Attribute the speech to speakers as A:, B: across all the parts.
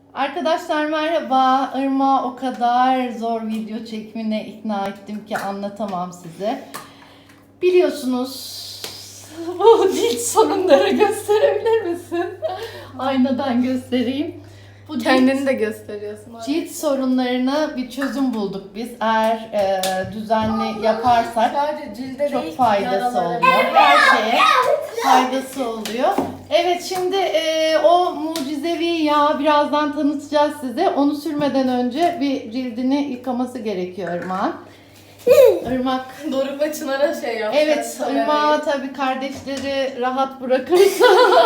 A: Arkadaşlar merhaba. Irmak'ı o kadar zor video çekimine ikna ettim ki anlatamam size. Biliyorsunuz bu cilt sorunları gösterebilir misin? Aynadan göstereyim. Bu
B: Kendini de gösteriyorsun.
A: cilt sorunlarına bir çözüm bulduk biz. Eğer düzenli yaparsak
B: Sadece cilde
A: çok
B: değil,
A: faydası
B: yaralara
A: oluyor.
B: bile.
A: Her şeye faydası oluyor. Evet, şimdi o mucizevi yağı birazdan tanıtacağız size. Onu sürmeden önce bir cildini yıkaması gerekiyor Irmak'ın. Irmak.
B: Doruk ve Çınar'a şey yapacağız.
A: Evet, Irmak'ı tabii kardeşleri rahat bırakırsa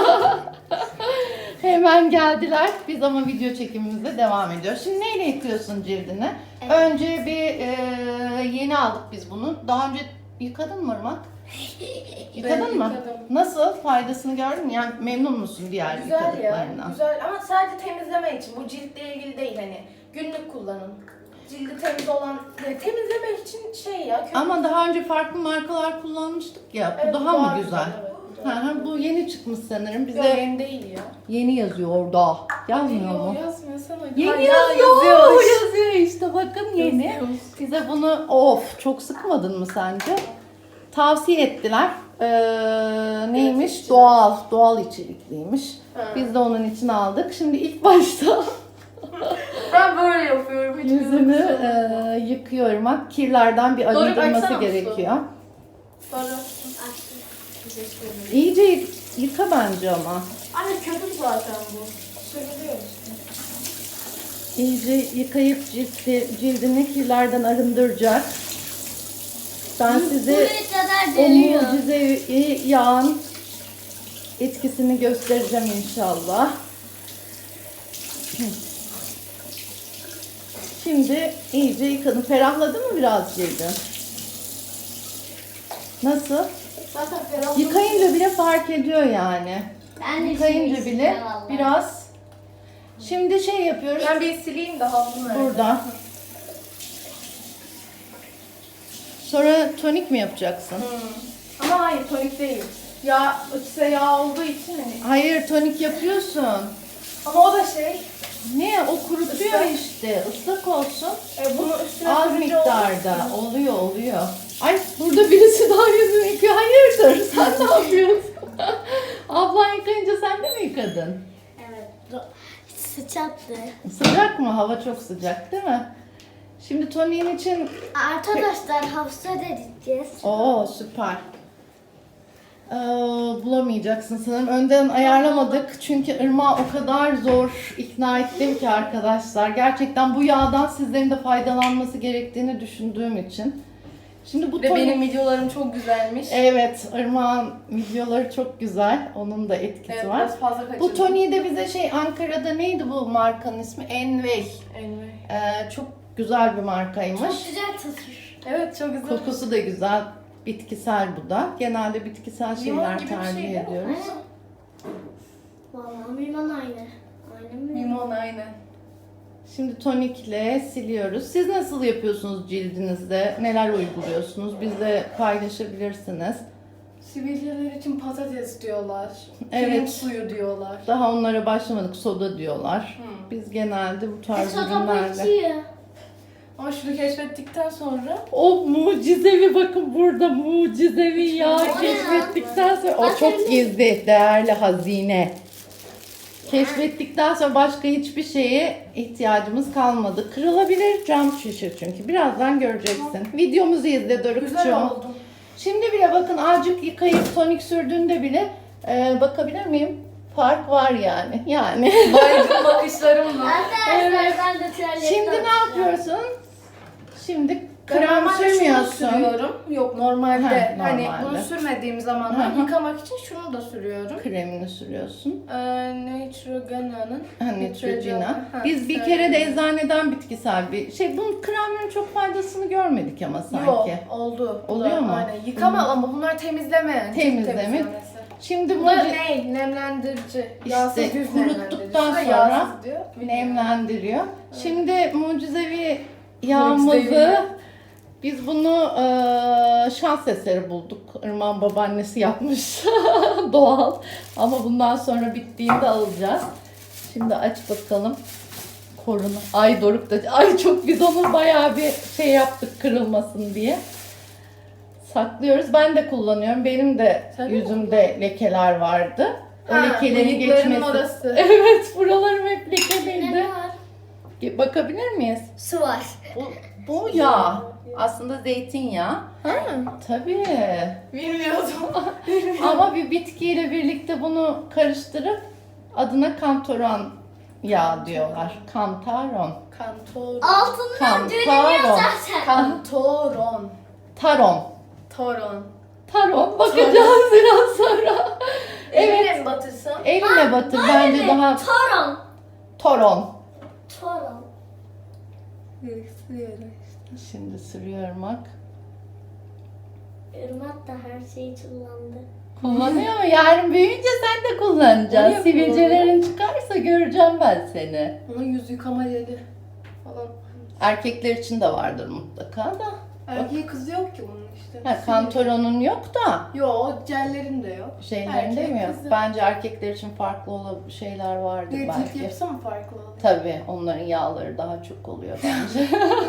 A: hemen geldiler. Biz ama video çekimimize devam ediyoruz. Şimdi neyle yıkıyorsun cildini?
C: Evet.
A: Önce bir yeni aldık biz bunu. Daha önce yıkadın mı Irmak? Yıkadın mı?
B: Yıkadım.
A: Nasıl? Faydasını gördün mü? Yani memnun musun diğer
B: Güzel ya.
A: yıkadıklarından?
B: Güzel ama sadece temizleme için. Bu ciltle ilgili değil hani. Günlük kullanın. Cildi temiz olan, yani temizleme için şey ya.
A: Ama daha önce farklı markalar kullanmıştık ya. Bu
B: Evet,
A: daha mı güzel?
B: Evet,
A: Hı hı, bu yeni çıkmış sanırım. Bize
B: Yok, yeni değil ya.
A: yeni yazıyor orada. Yazmıyor mu?
B: Yazmıyor sana.
A: Yeni yazıyor. Yazıyor işte, bakın yeni.
B: Yazıyormuş.
A: Bize bunu çok sıkmadın mı sence? Tavsiye ettiler. Neymiş?
B: içecek.
A: Doğal içerikliymiş.
B: Ha.
A: Biz de onun için aldık. Şimdi ilk başta
B: Ben böyle yapıyorum. Hiç
A: yüzünü
B: gözükmüyor.
A: yıkıyorum. Kirlerden bir
B: Doğru,
A: arındırması
B: baksana
A: gerekiyor.
B: Sonra. Teşekkür ederim.
A: İyice yıka bence ama.
B: Anne köpük zaten bu. Sürülüyor işte.
A: İyice yıkayıp cildini kirlerden arındıracak. Ben size
C: Buraya kadar
A: o
C: dönüyor.
A: mucizevi yağın etkisini göstereceğim inşallah. Şimdi iyice yıkadım. Ferahladı mı biraz cildin?
B: Nasıl?
C: Zaten ferah.
A: Yıkayınca bile fark ediyor yani.
C: Ben de
A: Yıkayınca
C: şimdi
A: bile
C: istiyorum vallahi.
A: biraz. Şimdi şey yapıyoruz.
B: Ben bir sileyim de havlu nerede?
A: Burada. Sonra tonik mi yapacaksın?
B: Ama hayır tonik değil. Yağ, içse yağ olduğu için hani.
A: Hayır, tonik yapıyorsun.
B: Ama o da şey.
A: Ne? O kurutuyor
B: Islak.
A: işte. Islak olsun.
B: Bunu üstüne
A: Az
B: sürünce
A: miktarda.
B: olmaz mı?
A: Oluyor. Ay, burada birisi daha yüzünü yıkıyor. Hayırdır? Sen ne yapıyorsun? Ablan yıkayınca sen de mi yıkadın?
C: Evet. Sıçattı.
A: Sıcak mı? Hava çok sıcak değil mi? Şimdi toniğin için...
C: Arkadaşlar hafıza edeceğiz.
A: Oo, süper. Bulamayacaksın sanırım. Önden ayarlamadık. Çünkü Irmak'ı o kadar zor ikna ettim ki arkadaşlar. Gerçekten bu yağdan sizlerin de faydalanması gerektiğini düşündüğüm için. Şimdi bu
B: Ve
A: tonik...
B: benim videolarım çok güzelmiş.
A: Evet, Irmak'ın videoları çok güzel. Onun da etkisi
B: Evet,
A: var.
B: biraz fazla kaçırdım.
A: Bu toniği de bize Ankara'da neydi bu markanın ismi? Envey. Çok güzel bir markaymış.
C: Çok güzel tutuyor.
B: Evet çok güzel.
A: Kokusu da güzel. Bitkisel bu da. Genelde bitkisel
B: Limon
A: şeyler
B: gibi bir
A: tercih
B: şey değil mi?
A: ediyoruz.
C: Vallahi limon aynı. Aynı mı?
B: Limon aynen.
A: Şimdi tonikle siliyoruz. Siz nasıl yapıyorsunuz cildinizde? Neler uyguluyorsunuz? Bizle paylaşabilirsiniz.
B: Sivilceler için patates diyorlar.
A: Evet.
B: Pirinç suyu diyorlar.
A: Daha onlara başlamadık. Soda diyorlar.
B: Hmm.
A: Biz genelde bu tarz
C: Soda
A: ürünlerle.
C: içiyor.
B: Ama şunu keşfettikten sonra
A: O mucizevi, bakın burada mucizevi yağ
C: O ne
A: keşfettikten sonra o
C: Bakın
A: çok
C: bir-
A: gizli, değerli hazine. Keşfettikten sonra başka hiçbir şeye ihtiyacımız kalmadı. Kırılabilir cam şişe çünkü. Birazdan göreceksin. Videomuzu izle
B: güzel
A: Doruk'cuğum.
B: oldu.
A: Şimdi bile bakın, azıcık yıkayıp tonik sürdüğünde bile bakabilir miyim? Fark var yani. Yani.
B: Baygın bakışlarımla.
C: Arkadaşlar ben de tuvalette
A: Şimdi ne
C: oturuyorum.
A: yapıyorsun? Şimdi
B: Ben
A: krem
B: normalde şunu
A: sürmüyorsun.
B: sürüyorum. Yok normalde
A: Ha,
B: hani
A: normalde.
B: bunu sürmediğim
A: Hı
B: zamanlar
A: hı.
B: yıkamak için şunu da sürüyorum.
A: Kremini sürüyorsun.
B: Neutrogena'nın.
A: Neutrogena. Biz bir kere de eczaneden bitkisel bir şey. Bunun kremlerin çok faydasını görmedik ama sanki.
B: Yok oldu. Bu
A: Oluyor
B: da
A: mu?
B: Aynen. Yıkama ama bunlar temizleme yani. cilt
A: Temizleme.
B: temizlemesi.
A: Şimdi
B: Bu da
A: bu
B: ne? Nemlendirici. Yağsız yüz
A: kuruttuktan
B: nemlendirici.
A: sonra
B: Yağsız diyor.
A: nemlendiriyor. Şimdi mucizevi yağımızı
B: Mucizevi.
A: biz bunu şans eseri bulduk. Irmak'ın babaannesi yapmış. Doğal. Ama bundan sonra bittiğinde alacağız. Şimdi aç bakalım. Koruna. Ay Doruk da. Ay çok biz onu bayağı bir şey yaptık kırılmasın diye. Saklıyoruz. Ben de kullanıyorum. Benim de
B: Sen de
A: yüzümde lekeler vardı. O lekelerin
B: bıyıkların
A: geçmesi.
B: orası.
A: Evet, buralarım hep
C: Ne
A: lekeliydi.
C: var?
A: Bakabilir miyiz?
C: Su var.
A: Bu yağ. Aslında zeytinyağı.
B: Ha,
A: Tabii.
B: bilmiyordum.
A: Ama bir bitkiyle birlikte bunu karıştırıp adına kantaron yağı diyorlar. Kantaron.
B: Kantoron.
C: Altından görünüyor zaten.
B: Kantoron.
A: Taron.
B: Toron.
A: Taron. Bakacağız biraz sonra. Evet.
B: Eline mi batırsam?
A: Eline batır. Bence daha
C: Toron.
A: toron.
C: Toron.
A: Şimdi sürüyorum bak.
C: Irmak da her şeyi kullandı.
A: Kullanıyor mu? Yarın büyüyünce sen de kullanacaksın.
B: Niye
A: Sivilcelerin çıkarsa göreceğim ben seni.
B: Ona yüz yıkama yeri falan.
A: Erkekler için de vardır mutlaka da.
B: Erkeği kızı yok ki bunun işte.
A: Ha, kantaronun yok da
B: Yo, o jellerin de yok.
A: şeylerinde
B: Erkek,
A: mi yok?
B: kızı.
A: Bence erkekler için farklı olan şeyler vardır
B: Bir cilt
A: belki.
B: yapısı mı farklı oluyor?
A: Tabii onların yağları daha çok oluyor bence.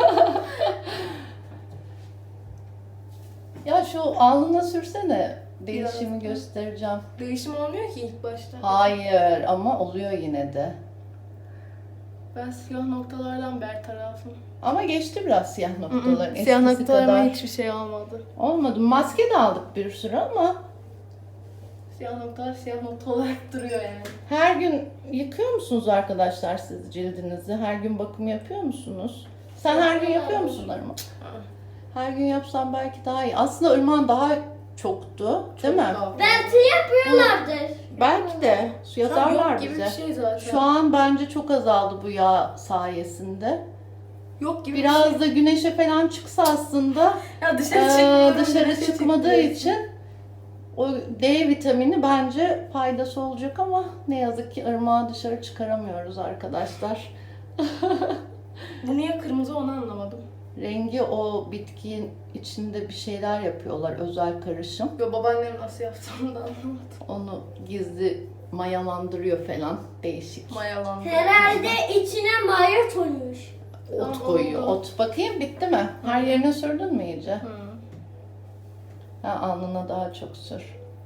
A: Ya şu alnına sürsene. Değişimi
B: Biraz.
A: göstereceğim.
B: Değişim olmuyor ki ilk başta.
A: Hayır ama oluyor yine de.
B: Ben siyah noktalardan bertarafım.
A: Ama geçti biraz siyah noktaların.
B: Siyah
A: Eskisi
B: noktalarıma
A: kadar
B: hiçbir şey olmadı.
A: olmadı. Maske de aldık bir sürü ama
B: Siyah noktalar siyah nokta olarak duruyor yani.
A: her gün yıkıyor musunuz arkadaşlar siz cildinizi? Her gün bakım yapıyor musunuz? Sen her gün yapıyor musun Irmak? Her gün yapsan belki daha iyi. Aslında Irmak'ın daha çoktu, değil mi?
C: Belki yapıyorlardır.
A: Belki de su yazarlar
B: yok gibi
A: bize.
B: bir şey zaten.
A: Şu an bence çok azaldı bu yağ sayesinde.
B: yok gibi bir
A: Biraz
B: şey.
A: da güneşe falan çıksa aslında
B: Ya dışarı
A: dışarı çıkmadığı için o D vitamini bence faydası olacak ama ne yazık ki ırmağı dışarı çıkaramıyoruz arkadaşlar.
B: Bu niye kırmızı onu anlamadım.
A: Rengi o bitkinin içinde bir şeyler yapıyorlar, özel karışım.
B: Yo, babaannem nasıl yaptı onu da anlamadım.
A: Onu gizli mayalandırıyor falan, değişik.
B: Mayalandı.
C: Herhalde içine maya koymuş.
A: Ot
B: Tamam,
A: koyuyor.
B: oldu.
A: Ot. Bakayım bitti mi? Her yerine sürdün mü iyice?
B: Hı.
A: Ha, alnına daha çok sür.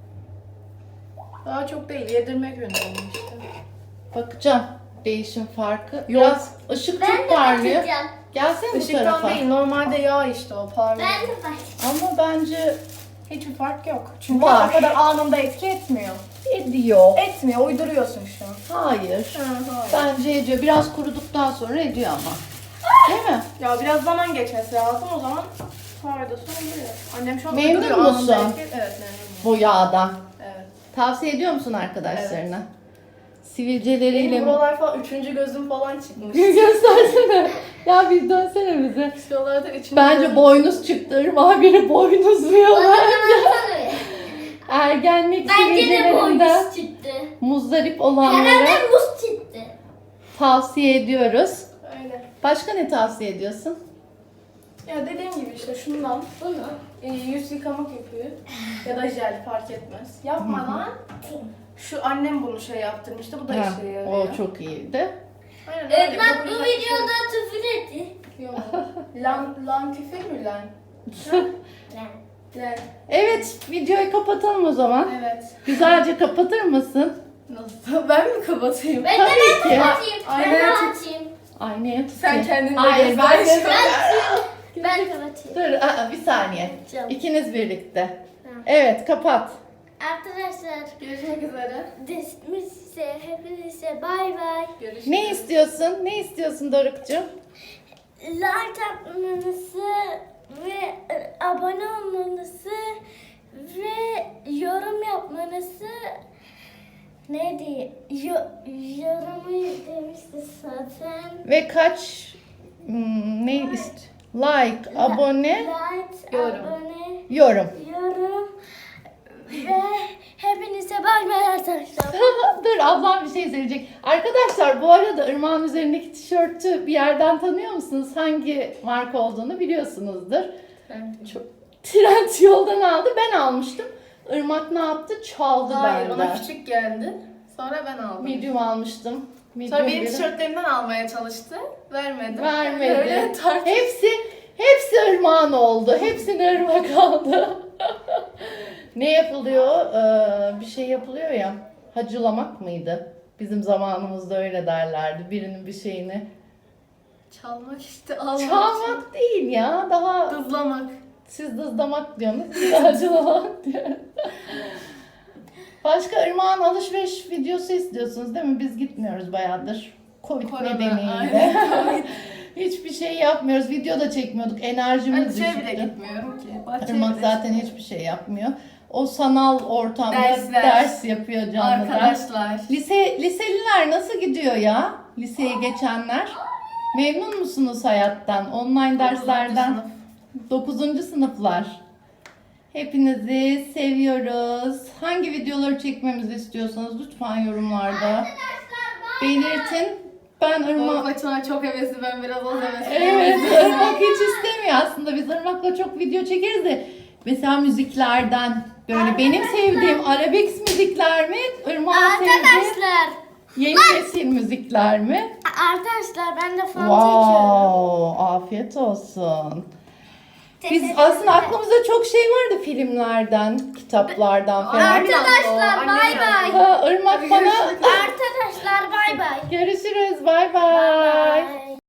B: Daha çok değil, yedirmek yönünde işte.
A: Bakacağım değişim farkı.
B: Yok.
A: Biraz ışık
C: Ben
A: çok
C: de
A: parlıyor.
C: bakacağım.
A: Gelsene bu
B: Işıktan
A: tarafa.
B: değil, normalde yağ işte o parlıyor.
C: Ben de bakacağım.
A: Ama bence
B: Hiçbir fark yok. Çünkü
A: Var.
B: o kadar anında etki etmiyor.
A: ediyor.
B: Etmiyor, uyduruyorsun şu an.
A: Hayır.
B: Hayır.
A: Bence ediyor. Biraz kuruduktan sonra ediyor ama. Değil mi?
B: Ya biraz zaman geçmesi lazım, o zaman faydası oluyor. Annem şu an
A: Memnun
B: uyduruyor,
A: musun?
B: anında etki. Evet, memnunum.
A: Bu yağdan.
B: Evet.
A: Tavsiye ediyor musun arkadaşlarına? Sivilceleriyle
B: Benim
A: mi?
B: buralar falan, üçüncü gözüm falan çıkmış.
A: Göstersene. Ya bir dönsene bize.
B: Şuralarda üçüncü
A: Bence
B: gözüm.
A: boynuz çıktı. Irmağa biri boynuzluyor.
C: Bana baksana.
A: Ergenlik
C: Bence de
A: sivilcelerinden
C: boynuz çıktı.
A: muzdarip olanlara
C: Herhalde muz çıktı.
A: tavsiye ediyoruz.
B: Öyle.
A: Başka ne tavsiye ediyorsun?
B: Ya dediğim gibi işte şundan
C: Bunu.
B: yüz yıkama köpüğü ya da jel fark etmez. Yapmadan şu annem bunu şey yaptırmıştı, bu da
A: Ha,
B: işe yarıyor.
A: o çok iyiydi.
B: Aynen öyle.
C: Irmak bu
B: Yapacak bir şey
C: videoda küfür etti.
B: yok. Lan küfür mü lan? Lan.
A: Evet, videoyu kapatalım o zaman.
B: Evet.
A: Güzelce kapatır mısın?
B: Nasıl? Ben mi kapatayım?
C: Ben de
A: Tabii ki.
C: kapatayım. Ben
B: Aynen.
C: de açayım.
A: Aynaya tut.
B: Sen kendin de
A: Hayır, ben
B: göster.
A: de...
C: Ben kapatayım.
A: Dur, bir saniye.
C: Canım.
A: İkiniz birlikte.
C: Tamam.
A: Evet, kapat.
C: Arkadaşlar,
B: Görüşmek üzere.
C: size hepinize bay bay.
B: Görüşürüz.
A: Ne istiyorsun? Ne istiyorsun Doruk'cum?
C: Like atmanızı ve abone olmanızı ve yorum yapmanızı neydi? Yorumu demişti zaten.
A: Ve kaç ne like, abone,
C: Like,
B: Yorum.
C: abone,
A: yorum.
C: yorum ve hepinize bay bay arkadaşlar.
A: Dur, ablam bir şey söyleyecek. Arkadaşlar bu arada Irmak'ın üzerindeki tişörtü bir yerden tanıyor musunuz? Hangi marka olduğunu biliyorsunuzdur. Çok Trend yoldan aldı. Ben almıştım. Irmak ne yaptı? Çaldı
B: Hayır,
A: benden.
B: ona küçük geldi. Sonra ben aldım.
A: Medium almıştım.
B: Sonra benim
A: Videoları
B: tişörtlerimden almaya çalıştı. Vermedi.
A: vermedi.
B: Öyle
A: Hepsi Irmak'ın oldu. Hepsini Irmak aldı. Ne yapılıyor? Bir şey yapılıyor ya. Hacılamak mıydı? Bizim zamanımızda öyle derlerdi. Birinin bir şeyini.
B: Çalmak işte, almak.
A: Çalmak değil ya. Daha
B: Hızlamak.
A: siz dızlamak diyorsunuz. Biz de hacılamak diyoruz. Başka Irmak'ın alışveriş videosu istiyorsunuz değil mi? Biz gitmiyoruz bayağıdır. Covid
B: Korona,
A: nedeniyle.
B: aynen.
A: Hiçbir şey yapmıyoruz. Video da çekmiyorduk. Enerjimiz
B: Ben bile
A: düşüktü.
B: gitmiyorum ki. Bahçeye
A: Irmak
B: bile
A: zaten hiçbir şey yapmıyor. O sanal ortamda
B: Dersler.
A: ders yapıyor canlı ders.
B: Arkadaşlar.
A: Liseliler nasıl gidiyor ya? Liseye geçenler. Memnun musunuz hayattan? Online derslerden. 9. sınıflar. Hepinizi seviyoruz. Hangi videoları çekmemizi istiyorsanız lütfen yorumlarda belirtin. Ben
B: Irmak
A: Irmak...
B: maçına çok hevesli, ben biraz az hevesliyim.
A: Evet, Irmak hiç istemiyor aslında. Biz Irmak'la çok video çekeriz de. Mesela müziklerden böyle benim sevdiğim arabesk müzikler mi? Irmak'ın sevdiği
C: Arkadaşlar.
A: yeni nesil müzikler mi?
C: Arkadaşlar ben de fanta içiyorum.
A: Wow, afiyet olsun. Biz aslında aklımızda çok şey vardı filmlerden, kitaplardan falan.
C: Arkadaşlar,
B: Annem
C: bay
B: yazdı.
C: bay.
A: Ha, Irmak bana
C: Arkadaşlar bay bay.
A: görüşürüz. Bay bay.
C: Bay bay.